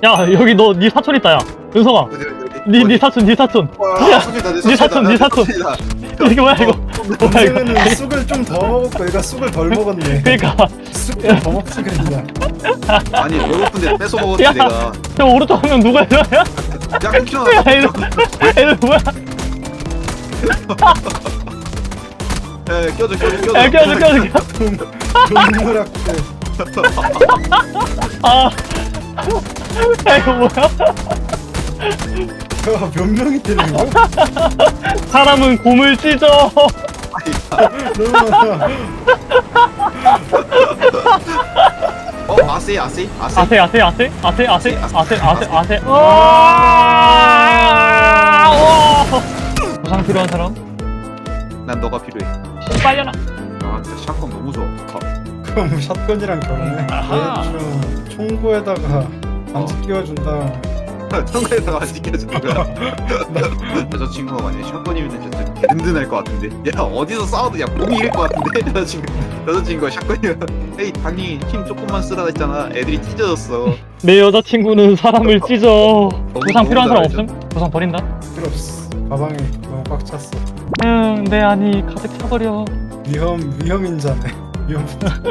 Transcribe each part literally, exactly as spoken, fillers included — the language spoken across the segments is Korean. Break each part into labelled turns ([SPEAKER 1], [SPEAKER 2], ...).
[SPEAKER 1] 야 여기 너 네 사촌 있다 야 은성아.
[SPEAKER 2] 어디 어디 어디.
[SPEAKER 1] 니 니 사촌 니 사촌. 야, 니 사촌 니 사촌. 이게 뭐야 이거? 뭐야 이거?
[SPEAKER 3] 동생은 쑥을 좀 더 먹었고 얘가 쑥을 덜 먹었네.
[SPEAKER 1] 그러니까
[SPEAKER 3] 쑥을 더 먹지 그랬냐.
[SPEAKER 2] 아니 배고픈데 뺏어 먹었지
[SPEAKER 1] 야.
[SPEAKER 2] 내가.
[SPEAKER 1] 저 오른쪽 한 명 누가 이러냐?
[SPEAKER 2] 야 끊기나.
[SPEAKER 1] 야 이거 이거 뭐야?
[SPEAKER 2] 야 껴줘 껴줘 껴줘.
[SPEAKER 1] 야 껴줘 껴줘 껴줘.
[SPEAKER 3] 동물학대.
[SPEAKER 1] 아. 야 이거 뭐야?
[SPEAKER 3] 몇 명이 때리는 거야?
[SPEAKER 1] 사람은 곰을 찢어.
[SPEAKER 3] 너무 많아.
[SPEAKER 2] 어 아세 아세 아세.
[SPEAKER 1] 아세 아세 아세 아세 아세 아세 아세 아세. 와. 와. 보상 필요한 사람?
[SPEAKER 2] 난 너가 필요해.
[SPEAKER 1] 빨려라.
[SPEAKER 2] 아 진짜 샷건 너무 좋아.
[SPEAKER 3] 그럼 샷건이랑 결혼해?
[SPEAKER 1] 아하.
[SPEAKER 3] 대충 총구에다가 반지 끼워준다.
[SPEAKER 2] 청가에다가 안 지켜주는 거야. 여자친구가 만약에 샷건이면 진짜 든든할 것 같은데. 야 어디서 싸워도 야 몸이 이길 것 같은데. 여자친구 여자친구가 샷건이면 에이 당연히 힘 조금만 쓰라 했잖아. 애들이 찢어졌어.
[SPEAKER 1] 내 여자친구는 사람을 찢어. 보상
[SPEAKER 2] 너무
[SPEAKER 1] 필요한 사람
[SPEAKER 2] 잘하죠.
[SPEAKER 1] 없음? 보상 버린다.
[SPEAKER 3] 필요 없어. 가방이 너무 꽉 찼어.
[SPEAKER 1] 응, 내 안이 가득 차버려.
[SPEAKER 3] 위험 위험인자네. 위험.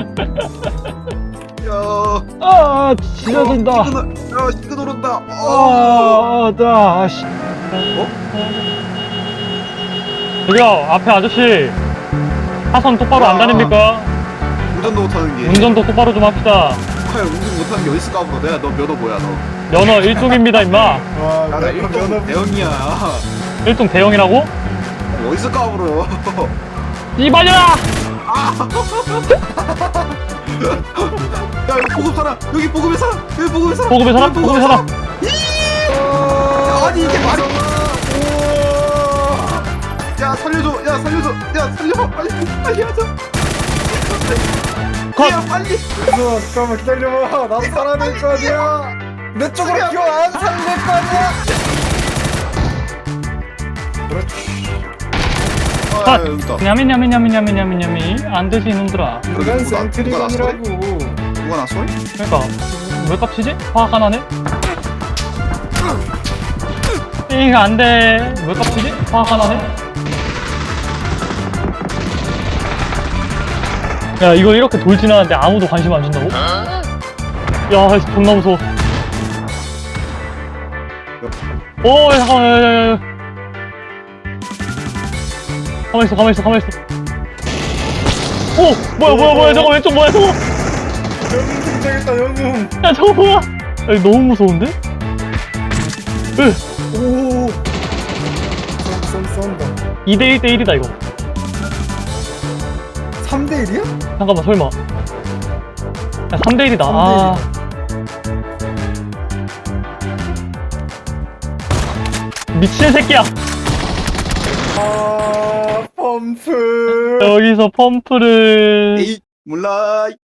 [SPEAKER 2] 야.
[SPEAKER 1] 아, 찢어진다.
[SPEAKER 2] 야 시끄 오른다.
[SPEAKER 1] 아, 나, 씨.
[SPEAKER 2] 어?
[SPEAKER 1] 저기요, 앞에 아저씨. 차선 똑바로 안
[SPEAKER 2] 아.
[SPEAKER 1] 다닙니까?
[SPEAKER 2] 운전도 못하는 게.
[SPEAKER 1] 운전도 똑바로 좀 합시다.
[SPEAKER 2] 아, 운전 못하는 게 어딨어 까불어. 내가 너 면허 뭐야 너?
[SPEAKER 1] 면허 일종입니다, 임마.
[SPEAKER 3] 와,
[SPEAKER 2] 나
[SPEAKER 3] 면허
[SPEAKER 2] 일동
[SPEAKER 3] 면허
[SPEAKER 2] 대형이야.
[SPEAKER 1] 일종 대형이라고?
[SPEAKER 2] 어디서 까불어?
[SPEAKER 1] 이발려라!
[SPEAKER 2] 야 여기 보급 사람 여기 보급의 사람 여기 보급의 사람
[SPEAKER 1] 보급의 사람?
[SPEAKER 2] 여기
[SPEAKER 1] 보급의 사람?
[SPEAKER 2] 야, 아니 이게 말이 야 살려줘 야 살려줘 야 살려 빨리 빨리 하자
[SPEAKER 1] 컷!
[SPEAKER 2] 야 빨리
[SPEAKER 3] 그래서 잠깐만 기다려봐. 나도 살아야 될 거 아니야. 내 쪽으로 기어 안 살릴 거 아니야. 그렇지.
[SPEAKER 2] 아 여기 있다
[SPEAKER 1] 냐미 냐미 냐미 냐미 냐미 냐미 안 되지 이놈들아.
[SPEAKER 3] 인간
[SPEAKER 2] 누가-
[SPEAKER 3] 센트리건이라고.
[SPEAKER 2] 누가 나 소리?
[SPEAKER 1] 그러니까 왜 깝치지? 화가 나네? 이거 안돼. 왜 깝치지? 화가 나네? 야 이거 이렇게 돌진하는데 아무도 관심 안 준다고? 야 존나 무서워. 오 야, 잠깐만 야, 야, 야. 가만히 있어 가만히 있어 가만히 있어. 오 뭐야 뭐야 뭐야 저거 왼쪽 뭐야 저거.
[SPEAKER 3] 영웅 등장했다 영웅.
[SPEAKER 1] 야 저거 뭐야? 야, 이거 너무 무서운데? 으
[SPEAKER 3] 오. 쏜 쏜다.
[SPEAKER 1] 이 대 일 대 일이다 이거.
[SPEAKER 3] 삼 대 일이야?
[SPEAKER 1] 잠깐만 설마. 야 삼 대 일이다. 아. 미친 새끼야.
[SPEAKER 3] 아 펌프.
[SPEAKER 1] 여기서 펌프를.
[SPEAKER 2] 에이 몰라